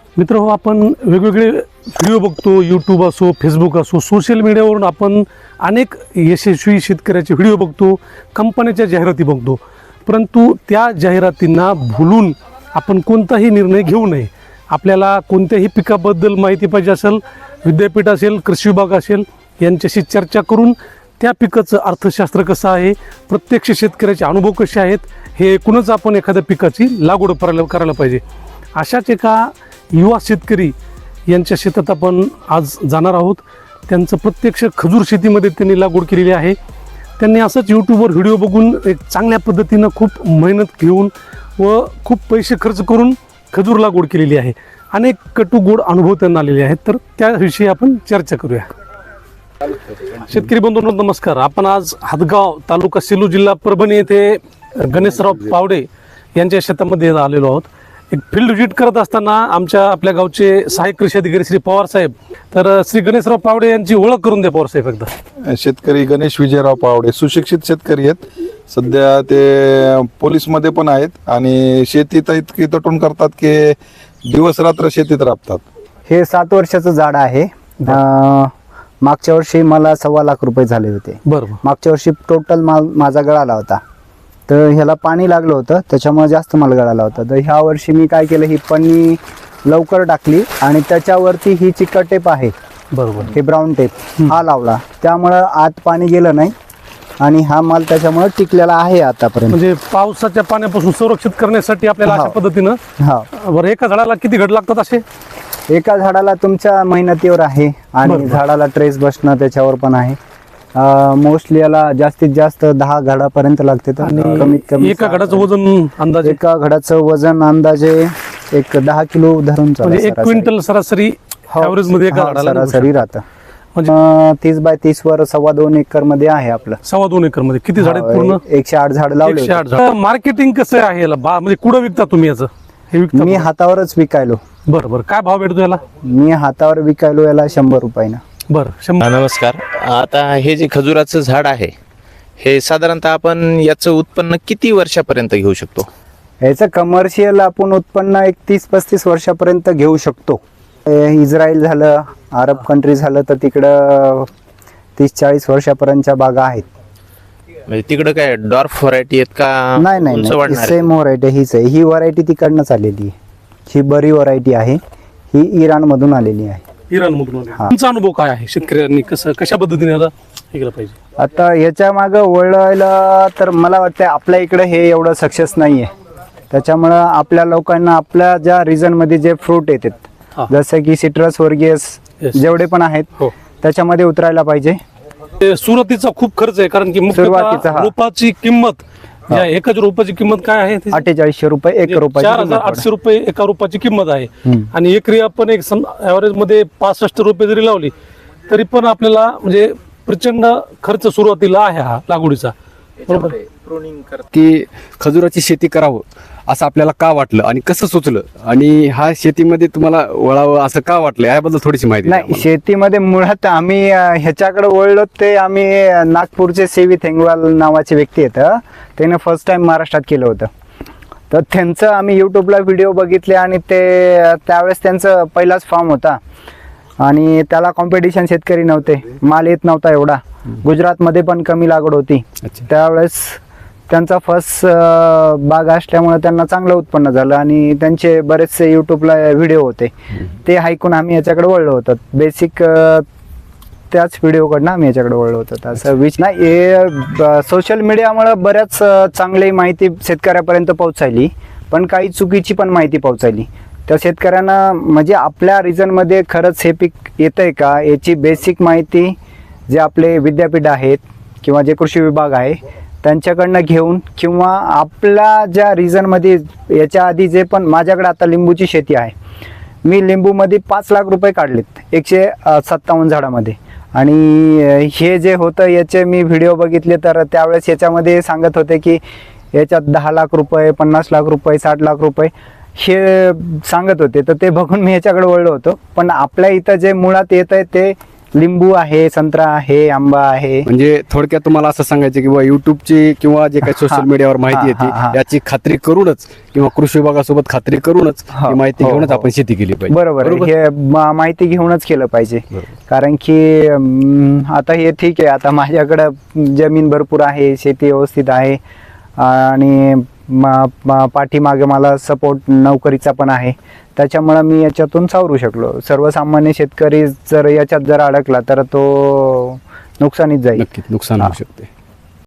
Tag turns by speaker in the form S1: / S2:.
S1: मित्र हो, आपण वेगवेगळे व्हिडिओ बघतो, यूट्यूब असो, फेसबुक असो, सोशल मीडियावरून आपण अनेक यशस्वी शेतकऱ्याचे व्हिडिओ बघतो, कंपन्याच्या जाहिराती बघतो. परंतु त्या जाहिरातींना भुलून आपण कोणताही निर्णय घेऊ नये. आपल्याला कोणत्याही पिकाबद्दल माहिती पाहिजे असेल, विद्यापीठ असेल, कृषी विभाग असेल, यांच्याशी चर्चा करून त्या पिकाचं अर्थशास्त्र कसं आहे, प्रत्यक्ष शेतकऱ्याचे अनुभव कसे आहेत, हे एकूणच आपण एखाद्या पिकाची लागवड करायला पाहिजे. अशाच एका युवा शेतकरी यांच्या शेतात आपण आज जाणार आहोत. त्यांचं प्रत्यक्ष खजूर शेतीमध्ये त्यांनी लागवड केलेली आहे. त्यांनी असंच यूट्यूबवर व्हिडिओ बघून एक चांगल्या पद्धतीनं खूप मेहनत घेऊन व खूप पैसे खर्च करून खजूर लागवड केलेली आहे. अनेक कटू गोड अनुभव त्यांना आलेले आहेत. तर त्याविषयी आपण चर्चा करूया. शेतकरी बंधूंनो नमस्कार. आपण आज हातगाव तालुका सेलू जिल्हा परभणी येथे गणेशराव पावडे यांच्या शेतामध्ये आलेलो आहोत. एक फील्ड व्हिजिट करत असताना आपल्या गावचे सहाय्यक कृषी अधिकारी श्री पवार साहेब, तर श्री गणेशराव पावडे यांची ओळख करून द्या पवार साहेब एकदा.
S2: शेतकरी गणेश विजयराव पावडे सुशिक्षित शेतकरी आहेत. सध्या ते पोलीसमध्ये पण आहेत आणि शेतीत इतकी तटून करतात की दिवस रात्र शेतीत राबतात.
S3: हे 7 वर्षाचं झाड आहे. मागच्या वर्षी मला 1.25 लाख रुपये झाले होते.
S1: बरोबर.
S3: मागच्या वर्षी टोटल माल माझा गळाला होता, तर ह्याला पाणी लागलं होतं, त्याच्यामुळे जास्त माल गळाला होता. तर ह्या वर्षी मी काय केलं, ही पन्नी लवकर टाकली आणि त्याच्यावरती ही चिकट टेप आहे,
S1: बरोबर,
S3: हे ब्राऊन टेप हा लावला. त्यामुळं आत पाणी गेलं नाही आणि हा माल त्याच्यामुळे टिकलेला आहे आतापर्यंत.
S1: म्हणजे पावसाच्या पाण्यापासून संरक्षित करण्यासाठी आपल्याला अशा पद्धतीनं.
S3: हा,
S1: बरं, एका झाडाला किती घड लागतात असे?
S3: एका झाडाला तुमच्या मेहनतीवर आहे आणि झाडाला ट्रेस बसणं त्याच्यावर पण आहे. मोस्टली याला जास्तीत जास्त 10 घडापर्यंत लागते. तर कमीत कमी
S1: एका घडाचं वजन अंदाजे,
S3: एका घडाचं वजन अंदाजे एक 10 किलो धरून चाला.
S1: म्हणजे 1 क्विंटल सरासरी ॲव्हरेज मध्ये एका झाडाला
S3: सरासरी राहतं.
S1: म्हणजे
S3: 30 बाय 30 वर 2.25 एकर मध्ये आहे आपलं.
S1: 2.25 एकर मध्ये किती झाड आहेत पूर्ण?
S3: 108 झाड लावले.
S1: 108 झाड. मार्केटिंग कसं आहे याला? म्हणजे कुठं विकता तुम्ही याचं? हे विकता?
S3: मी हातावरच विकायलो.
S1: बरं बरं. काय भाव भेटतो याला?
S3: मी हातावर विकायलो याला 100 रुपयानं.
S1: बरं, 100.
S4: नमस्कार. आता हे जे खजुराचं झाड आहे, हे साधारणतः आपण याचं उत्पन्न किती वर्षापर्यंत घेऊ शकतो?
S3: याचं कमर्शियल आपण उत्पन्न एक 30-35 वर्षापर्यंत घेऊ शकतो. इस्रायल झालं, अरब कंट्री झालं, तर तिकडं 30-40 वर्षापर्यंतच्या बागा आहेत.
S4: म्हणजे तिकडं काय डॉर्फ व्हरायटी आहेत का?
S3: नाही नाही
S4: उंच
S3: नाही,
S4: वाढणाऱ्या?
S3: सेम व्हरायटी हीच आहे. ही व्हरायटी तिकडनंच आलेली आहे. ही बरी व्हरायटी आहे. ही इराण मधून आलेली आहे.
S1: इराण मधून. तुमचा अनुभव काय आहे? शेतकऱ्यांनी कशा पद्धतीने याला हे केलं पाहिजे?
S3: आता याच्या मागं वळलं तर मला वाटतं आपल्या इकडे हे एवढं सक्सेस नाही आहे. त्याच्यामुळं आपल्या लोकांना आपल्या ज्या रिजनमध्ये जे फ्रूट येतात, जसं की सिट्रस वर्गीयस जेवढे पण आहेत, त्याच्यामध्ये उतरायला पाहिजे.
S1: सुरुवातीचा खूप खर्च आहे, कारण की
S3: सुरुवातीचा, हा. रोपाची
S1: किंमत, एकाच रोपाची किंमत काय आहे?
S3: 4800 रुपये एक रोपाची.
S1: 4800 रुपये एका रोपाची किंमत आहे. आणि एकरी आपण एक ऍव्हरेज मध्ये 65 रुपये जरी लावली तरी पण आपल्याला म्हणजे प्रचंड खर्च सुरुवातीला आहे हा लागवडीचा. बरोबर.
S5: की खजुराची शेती करावं असं आपल्याला का वाटलं आणि कसं सुचलं, आणि हा शेतीमध्ये तुम्हाला वळावं असं का वाटलं, याबद्दल थोडीशी माहिती द्या
S3: नाही,
S5: आम्हाला.
S3: शेतीमध्ये मुळात आम्ही ह्याच्याकडे वळलो ते आम्ही नागपूरचे सेवी थेंगवाल नावाचे व्यक्ती आहेत. त्याने फर्स्ट टाइम महाराष्ट्रात केलं होतं. तर त्यांचं आम्ही यूट्यूबला व्हिडिओ बघितले आणि त्यावेळेस त्यांचं पहिलाच फॉर्म होता आणि त्याला कॉम्पिटिशन शेतकरी नव्हते, माल येत नव्हता एवढा. गुजरातमध्ये पण कमी लागवड होती. त्यावेळेस त्यांचा फर्स्ट बाग असल्यामुळे त्यांना चांगलं उत्पन्न झालं आणि त्यांचे बरेचसे यूट्यूबला व्हिडिओ होते, ते ऐकून आम्ही याच्याकडे वळलो होतो. बेसिक त्याच व्हिडिओकडनं आम्ही याच्याकडे वळलो होतो. असं विच नाही, हे सोशल मीडियामुळे बऱ्याच चांगली माहिती शेतकऱ्यापर्यंत पोहोचायली, पण काही चुकीची पण माहिती पोहोचायली. त्या शेतकऱ्यांना म्हणजे आपल्या रिजनमध्ये खरंच हे पीक येतंय का याची बेसिक माहिती जे आपले विद्यापीठ आहेत किंवा जे कृषी विभाग आहे त्यांच्याकडनं घेऊन, किंवा आपल्या ज्या रिजनमध्ये याच्या आधी जे पण, माझ्याकडे आता लिंबूची शेती आहे, मी लिंबूमध्ये 5 लाख रुपये काढलेत 157 झाडामध्ये. आणि हे जे होतं याचे मी व्हिडिओ बघितले, तर त्यावेळेस याच्यामध्ये सांगत होते की याच्यात 10 लाख रुपये, 50 लाख रुपये, 60 लाख रुपये हे सांगत होते. तर ते बघून मी याच्याकडे वळलो होतो. पण आपल्या इथं जे मुळात येत आहे ते लिंबू आहे, संत्रा आहे, आंबा आहे.
S5: म्हणजे थोडक्यात तुम्हाला असं सांगायचं की बाबा युट्यूबची किंवा जे काही सोशल मीडियावर माहिती
S3: हा, हा.
S5: येते याची खात्री करूनच किंवा कृषी विभागासोबत खात्री करूनच
S3: हो,
S5: ही माहिती
S3: हो,
S5: घेऊनच
S3: हो.
S5: आपण शेती केली पाहिजे.
S3: बरोबर आहे. हे माहिती घेऊनच केलं पाहिजे. कारण की आता हे ठीक आहे, आता माझ्याकडं जमीन भरपूर आहे, शेती व्यवस्थित आहे आणि पाठीमागे मला सपोर्ट नोकरीचा पण आहे, त्याच्यामुळे मी याच्यातून सावरू शकलो. सर्वसामान्य शेतकरी जर याच्यात जर अडकला तर तो नुकसानीत जाईल.
S5: नक्कीच नुकसान होऊ शकते.